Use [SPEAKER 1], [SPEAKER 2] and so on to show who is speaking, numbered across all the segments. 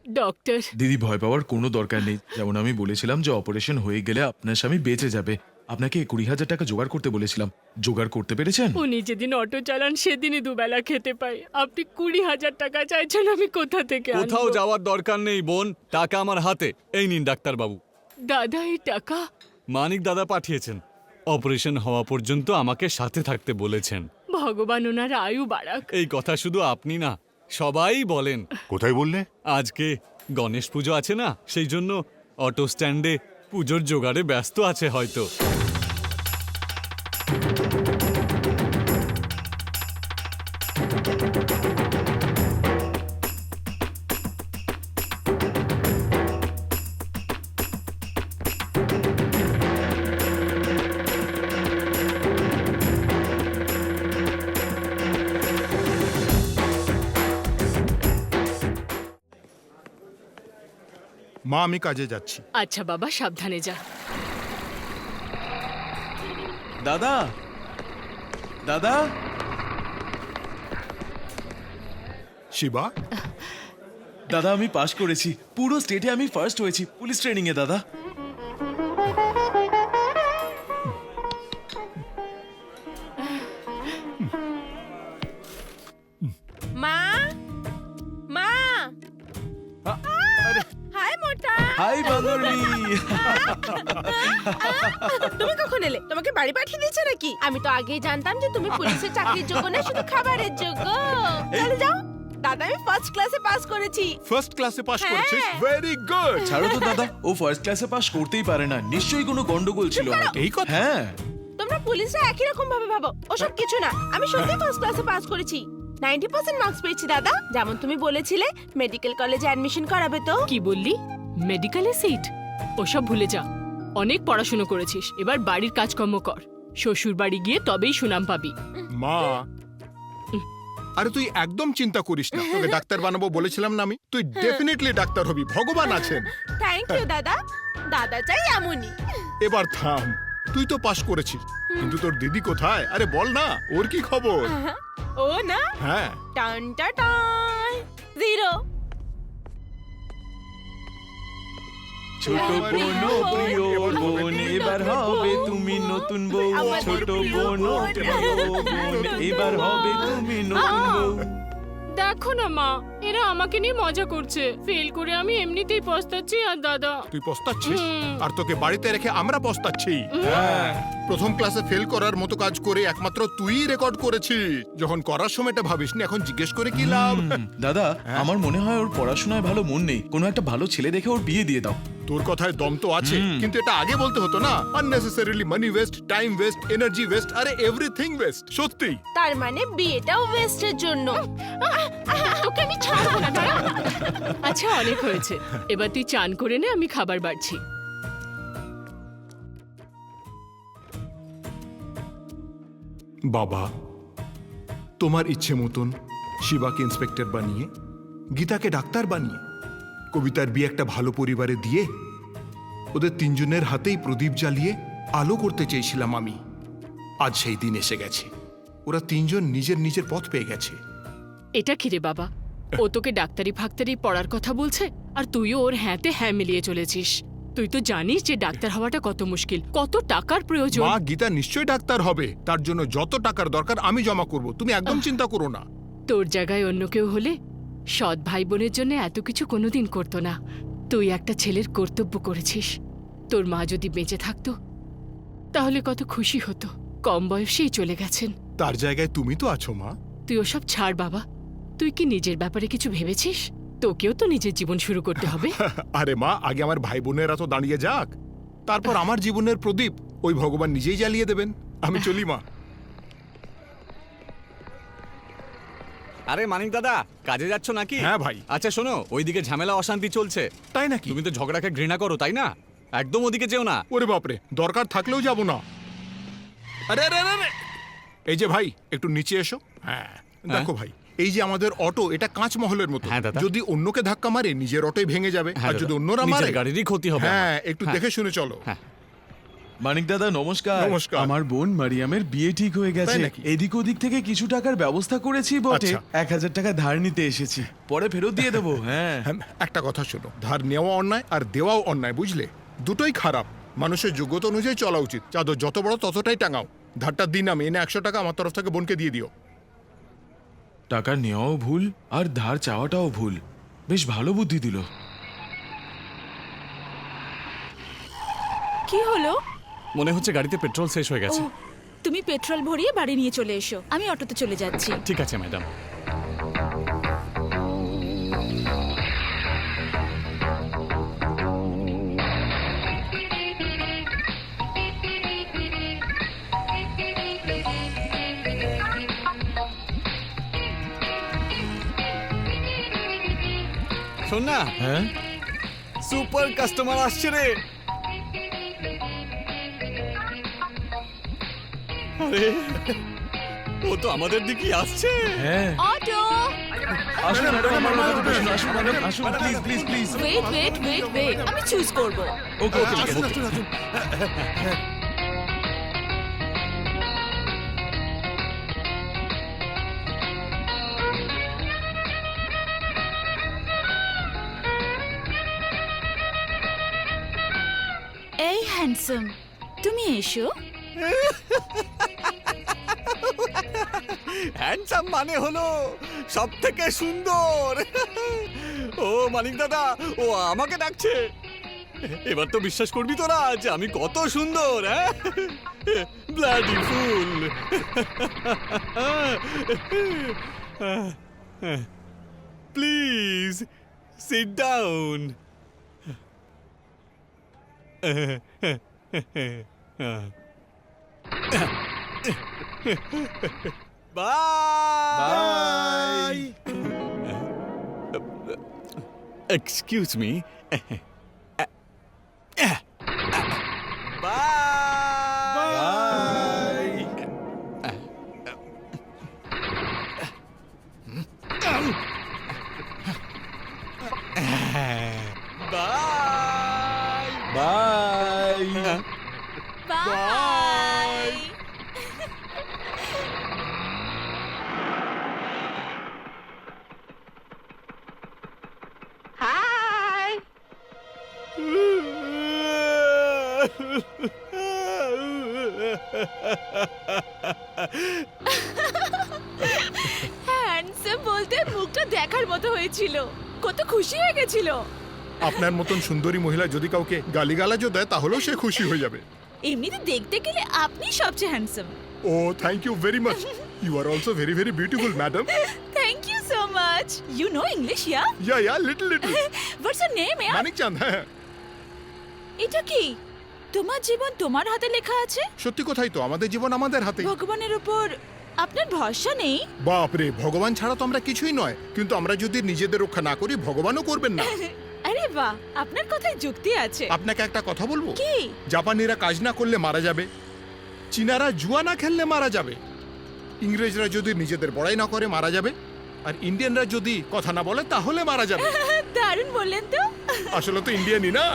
[SPEAKER 1] Doctor
[SPEAKER 2] দিদি ভয় পাওয়ার কোনো দরকার নেই। যেমন আমি বলেছিলাম যে অপারেশন হয়ে গেলে আপনার স্বামী বেঁচে যাবে। আপনাকে 20,000 টাকা জোগাড় করতে বলেছিলাম, জোগাড় করতে পেরেছেন?
[SPEAKER 1] উনি যেদিন অটো চালান সেদিনই দুবেলা খেতে পাই। আপনি 20,000 টাকা চাইছেন, আমি কোথা থেকে আনবো?
[SPEAKER 3] কোথাও যাওয়ার দরকার নেই বোন, টাকা আমার হাতে। এই নিন ডাক্তারবাবু।
[SPEAKER 1] দাদা এই টাকা?
[SPEAKER 3] মানিক দাদা পাঠিয়েছেন। অপারেশন হওয়া পর্যন্ত আমাকে সাথে থাকতে বলেছেন।
[SPEAKER 1] ভগবান ওনার আয়ু বাড়াক।
[SPEAKER 3] এই কথা শুধু আপনি না, সবাই বলেন।
[SPEAKER 4] কোথায় বললে?
[SPEAKER 3] আজকে গণেশ পুজো আছে না, সেই জন্য অটো স্ট্যান্ডে পুজোর জোগাড়ে ব্যস্ত আছে হয়তো।
[SPEAKER 4] মা আমি কাজে যাচ্ছি।
[SPEAKER 1] আচ্ছা বাবা, সাবধানে যা।
[SPEAKER 2] দাদা, দাদা,
[SPEAKER 4] শিবা,
[SPEAKER 2] দাদা আমি পাশ করেছি। পুরো স্টেটে আমি ফার্স্ট হয়েছি পুলিশ ট্রেনিং এ দাদা।
[SPEAKER 5] মা, মা, হাই মোটা।
[SPEAKER 2] হাই বাঙালি।
[SPEAKER 5] তুমি কখন এলে? তোমাকে বাড়ি পাঠিয়ে দিয়েছে নাকি? আমি তো আগেই জানতাম যে তুমি পুলিশের চাকরির যোগ্য না, শুধু খাবারের যোগ্য। চলে যাও। দাদা আমি ফার্স্ট ক্লাসে পাস করেছি।
[SPEAKER 4] ফার্স্ট ক্লাসে পাস
[SPEAKER 5] হ্যাঁ।
[SPEAKER 4] করেছিস? Very good.
[SPEAKER 2] ছাড়ো তো দাদা, ও ফার্স্ট ক্লাসে পাশ করতেই পারে না। নিশ্চয়ই কোনো গন্ডগোল ছিল।
[SPEAKER 4] এই কথা?
[SPEAKER 2] হ্যাঁ।
[SPEAKER 5] তোমরা পুলিশরা একই রকম ভাবে ভাবো, ওসব কিছু না। আমি সত্যি ফার্স্ট ক্লাসে পাস করেছি। 90% মার্কস পেয়েছি দাদা। যেমন তুমি বলেছিলে মেডিকেল কলেজে অ্যাডমিশন করাবে তো।
[SPEAKER 1] কি বললি? মেডিকেলে সিট? ওসব ভুলে যা। অনেক পড়াশুনো করেছিস, এবার বাড়ির কাজকর্ম কর। শ্বশুর বাড়ি গিয়ে তবেই সুনাম পাবি।
[SPEAKER 4] মা, আরে তুই একদম চিন্তা করিস না। তোকে ডাক্তার বানাবো বলেছিলাম না আমি? তুই ডেফিনেটলি ডাক্তার হবি, ভগবান আছেন।
[SPEAKER 5] থ্যাংক ইউ দাদা। দাদা চাই এমনই।
[SPEAKER 4] এবার থাম, তুই তো পাস করেছিস, কিন্তু তোর দিদি কোথায়? আরে বল না, ওর কি খবর?
[SPEAKER 5] ও না,
[SPEAKER 4] হ্যাঁ,
[SPEAKER 5] টান টা টান, জিরো।
[SPEAKER 2] ছোট বোন ও প্রিয় বোন, এবার হবে তুমি নতুন বউ। ছোট বোন ও প্রিয় বোন, এবার হবে তুমি নতুন বউ।
[SPEAKER 1] দেখো না মা, এরা আমাকে নিয়ে মজা করছে। ফেল করে আমি এমনিতেই পস্তাচ্ছি। আর দাদা,
[SPEAKER 4] তুই পস্তাচ্ছিস আর তোকে বাড়িতে রেখে আমরা পস্তাচ্ছি।
[SPEAKER 2] হ্যাঁ।
[SPEAKER 4] প্রথম ক্লাসে ফেল করার মতো কাজ করে একমাত্র তুই রেকর্ড করেছিস। যখন করার সময়টা ভাবিসনি, এখন জিজ্ঞেস করে কি লাভ?
[SPEAKER 2] দাদা, আমার মনে হয় ওর পড়াশোনায় ভালো মন নেই। কোনো একটা ভালো ছেলে দেখে ওর বিয়ে দিয়ে দাও।
[SPEAKER 4] তোর কথায় দম তো আছে, কিন্তু এটা আগে বলতে হতো না? Unnecessarily money waste, time waste, energy waste, আরে এভরিথিং ওয়েস্ট। সত্যি
[SPEAKER 5] তার মানে বিয়েটাও ওয়েস্টের জন্য।
[SPEAKER 1] তোকে আমি ছাড়বো না, দাঁড়া। আচ্ছা অনেক হয়েছে, এবার তুই চান করে নে, আমি খাবার বাড়ছি।
[SPEAKER 4] বাবা, তোমার ইচ্ছে মতন শিবাকে ইন্সপেক্টর বানিয়ে, গীতাকে ডাক্তার বানিয়ে, কবিতার বিয়ে একটা ভালো পরিবারে দিয়ে, ওদের তিনজনের হাতেই প্রদীপ জ্বালিয়ে আলো করতে চেয়েছিলাম আমি। আজ সেই দিন এসে গেছে। ওরা তিনজন নিজের নিজের পথ পেয়ে গেছে।
[SPEAKER 1] এটা কি রে বাবা, ও তোকে ডাক্তারি ফাক্তারি পড়ার কথা বলছে, আর তুইও ওর হ্যাঁতে হ্যাঁ মিলিয়ে চলেছিস। তুই তো জানিস যে ডাক্তার হওয়াটা কত মুশকিল, কত টাকার প্রয়োজন।
[SPEAKER 4] মা, গীতা নিশ্চয়ই ডাক্তার হবে। তার জন্য যত টাকার দরকার আমি জমা করব, তুমি একদম চিন্তা করো না।
[SPEAKER 1] তোর জায়গায় অন্য কেউ হলে সৎ ভাই বোনের জন্য এত কিছু কোনোদিন করতো না। তুই একটা ছেলের কর্তব্য করেছিস। তোর মা যদি বেঁচে থাকতো তাহলে কত খুশি হতো। কম বয়সেই চলে গেছেন।
[SPEAKER 4] তার জায়গায় তুমি তো আছো মা।
[SPEAKER 1] তুই ওসব ছাড় বাবা। তুই কি নিজের ব্যাপারে কিছু ভেবেছিস? তোকেও তো নিজের জীবন শুরু করতে হবে।
[SPEAKER 4] আরে মা, আগে আমার ভাই বোনেরা তো দাঁড়িয়ে যাক, তারপর আমার জীবনের প্রদীপ ওই ভগবান নিজেই জ্বালিয়ে দেবেন। আমি চলি মা।
[SPEAKER 3] আরে মানিক দাদা, কাজে যাচ্ছ নাকি?
[SPEAKER 4] হ্যাঁ ভাই।
[SPEAKER 3] আচ্ছা শোনো, ওইদিকে ঝামেলা অশান্তি চলছে।
[SPEAKER 4] তাই নাকি?
[SPEAKER 3] তুমি তো ঝগড়াকে ঘৃণা করো, তাই না? একদম ওদিকে যেও না।
[SPEAKER 4] ওরে বাপরে, দরকার থাকলেও যাব না। আরে আরে আরে আরে! এই যে ভাই, একটু নিচে এসো। হ্যাঁ, দেখো ভাই, এই যে আমাদের অটো, এটা কাঁচ মহলের মতো।
[SPEAKER 3] হ্যাঁ দাদা।
[SPEAKER 4] যদি অন্যকে ধাক্কা মারে নিজের অটোই ভেঙে যাবে,
[SPEAKER 3] হ্যাঁ
[SPEAKER 4] আর যদি
[SPEAKER 3] দাদা,
[SPEAKER 4] অন্যরা
[SPEAKER 3] নিজের
[SPEAKER 4] মারে
[SPEAKER 3] গাড়িরই ক্ষতি হবে
[SPEAKER 4] হ্যাঁ,
[SPEAKER 3] আমার।
[SPEAKER 4] একটু
[SPEAKER 3] হ্যাঁ।
[SPEAKER 4] দেখে শুনে চলো।
[SPEAKER 3] হ্যাঁ।
[SPEAKER 2] মানিক দাদা নমস্কার।
[SPEAKER 6] নমস্কার।
[SPEAKER 2] আমার বোন মারিয়ামের বিয়ে ঠিক হয়ে গেছে।
[SPEAKER 6] তাই নাকি?
[SPEAKER 2] এদিক ওদিক থেকে কিছু টাকার ব্যবস্থা করেছি বটে।
[SPEAKER 6] আচ্ছা।
[SPEAKER 2] 1000 টাকা ধার নিতে এসেছি, পরে ফেরত দিয়ে দেবো। হ্যাঁ
[SPEAKER 6] হ্যাঁ, একটা কথা শোনো, ধার নেওয়া অন্যায় আর দেওয়াও অন্যায়, বুঝলে? দুটোই খারাপ। মানুষের যোগ্যতা অনুযায়ী চলা উচিত। চাদর যত বড় ততটাই টাঙাও। ধারটা দিন আমি এনে 100 টাকা আমার তরফ থেকে বোনকে দিয়ে দিও।
[SPEAKER 2] টাকা নেওয়াও ভুল আর ধার চাওয়াটাও ভুল। বেশ ভালো বুদ্ধি দিল।
[SPEAKER 7] কি হলো?
[SPEAKER 3] মনে হচ্ছে গাড়িতে পেট্রোল শেষ হয়ে
[SPEAKER 7] ও
[SPEAKER 3] গেছে।
[SPEAKER 7] তুমি পেট্রোল ভরিয়ে বাড়ি নিয়ে চলে এসো, আমি অটোতে চলে যাচ্ছি।
[SPEAKER 3] ঠিক আছে ম্যাডাম। শোন না,
[SPEAKER 2] হ্যাঁ
[SPEAKER 3] সুপার কাস্টমার আসছে রে। আরে ও তো আমাদের দিকেই আসছে।
[SPEAKER 2] হ্যাঁ
[SPEAKER 7] অটো!
[SPEAKER 2] আসুন ম্যাডাম, আমার মাথার উপরে আসুন, আসুন ম্যাডাম, আসুন please please please.
[SPEAKER 7] Wait wait wait wait, আমি চুজ করব।
[SPEAKER 2] ওকে ওকে ঠিক আছে।
[SPEAKER 7] এই হ্যান্ডসাম, তুমি এসো।
[SPEAKER 3] হ্যান্ডসাম মানে হলো সব থেকে সুন্দর। ও মানিক দাদা, ও আমাকে ডাকছে। এবার তো বিশ্বাস করবি তোরা যে আমি কত সুন্দর। হ্যাঁ, bloody fool. Please sit down. Bye. Excuse me. Bye. Bye. Bye.
[SPEAKER 7] Bye.
[SPEAKER 5] Hi.
[SPEAKER 7] Handsome বলতে মুখটা দেখার মতো হয়েছিল, কত খুশি হয়ে গেছিল।
[SPEAKER 6] আপনার মতন সুন্দরী মহিলা যদি কাউকে গালিগালাজও দেয় তাহলেও সে খুশি হয়ে যাবে।
[SPEAKER 7] এমনিতে দেখতে গেলে আপনি সবচেয়ে handsome.
[SPEAKER 6] Oh thank you very much. You are also very very beautiful madam.
[SPEAKER 7] Thank you so much. You know English, yeah?
[SPEAKER 6] Yeah little little.
[SPEAKER 7] What's your name?
[SPEAKER 6] Manik Chand. হ্যাঁ,
[SPEAKER 7] এটা কি? তোমার জীবন তোমার হাতে লেখা আছে?
[SPEAKER 6] সত্যি কথাই তো, আমাদের জীবন আমাদের হাতে।
[SPEAKER 7] ভগবানের উপর আপনার ভরসা নেই?
[SPEAKER 6] বাপরে, ভগবান ছাড়া তো আমরা কিছুই নয়, কিন্তু আমরা যদি নিজেদের রক্ষা না করি ভগবানও করবেন না।
[SPEAKER 7] আরে বাহ, আপনার কথায় যুক্তি আছে।
[SPEAKER 6] আপনাকে একটা কথা বলবো?
[SPEAKER 7] কি?
[SPEAKER 6] জাপানিরা কাজ না করলে মারা যাবে, চীনারা জুয়া না খেললে মারা যাবে, ইংরেজরা যদি নিজেদের বড়াই না করে মারা যাবে, আর ইন্ডিয়ানরা যদি কথা না বলে তাহলে মারা যাবে।
[SPEAKER 7] দারুণ বললেন তো।
[SPEAKER 6] আসলে তো ইন্ডিয়ানই না।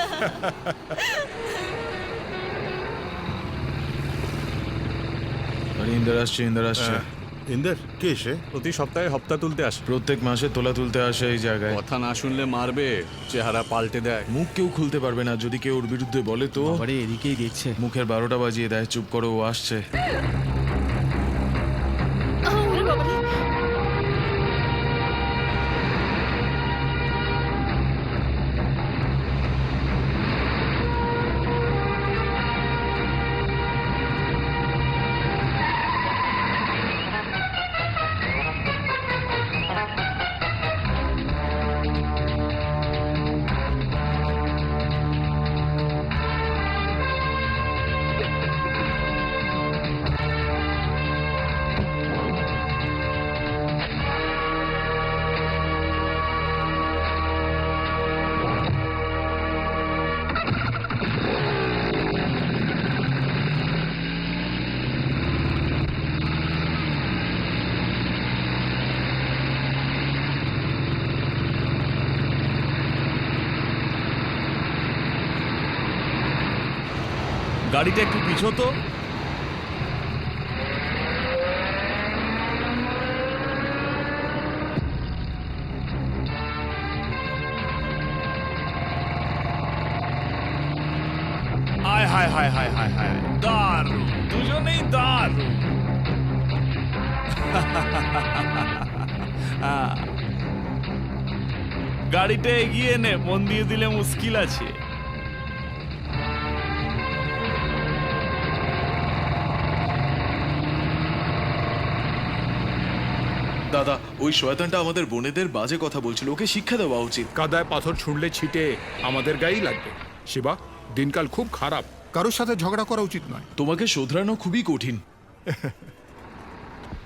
[SPEAKER 2] আরে ইন্দার আসছে, ইন্দার আসছে।
[SPEAKER 8] ইন্দার কে সে?
[SPEAKER 3] প্রতি সপ্তাহে হপ্তা তুলতে আসে।
[SPEAKER 2] প্রত্যেক মাসে তোলা তুলতে আসে এই জায়গায়।
[SPEAKER 3] কথা না শুনলে মারবে, চেহারা পাল্টে দেয়।
[SPEAKER 2] মুখ কেউ খুলতে পারবে না, যদি কেউ ওর বিরুদ্ধে বলে তো
[SPEAKER 8] বাবারে এদিকেই দেখছে।
[SPEAKER 2] মুখের 12টা বাজিয়ে দেয়। চুপ করো, ও আসছে। গাড়িটা একটু পিছো তো। হায় হায় হায় হায় হায় হায়, দারুণ, দুজনেই দারুণ। গাড়িটা এগিয়ে নে, মন দিয়ে দিলে মুশকিল আছে। দাদা, ওই শয়তানটা আমাদের বোনেদের বাজে কথা বলছিল, ওকে শিক্ষা দেওয়া উচিত।
[SPEAKER 6] কাদায় পাথর ছুঁড়লে ছিটে আমাদের গায়েই লাগবে। শিবা, দিনকাল খুব খারাপ, কারোর সাথে ঝগড়া করা উচিত নয়।
[SPEAKER 2] তোমাকে শোধরানো খুবই কঠিন।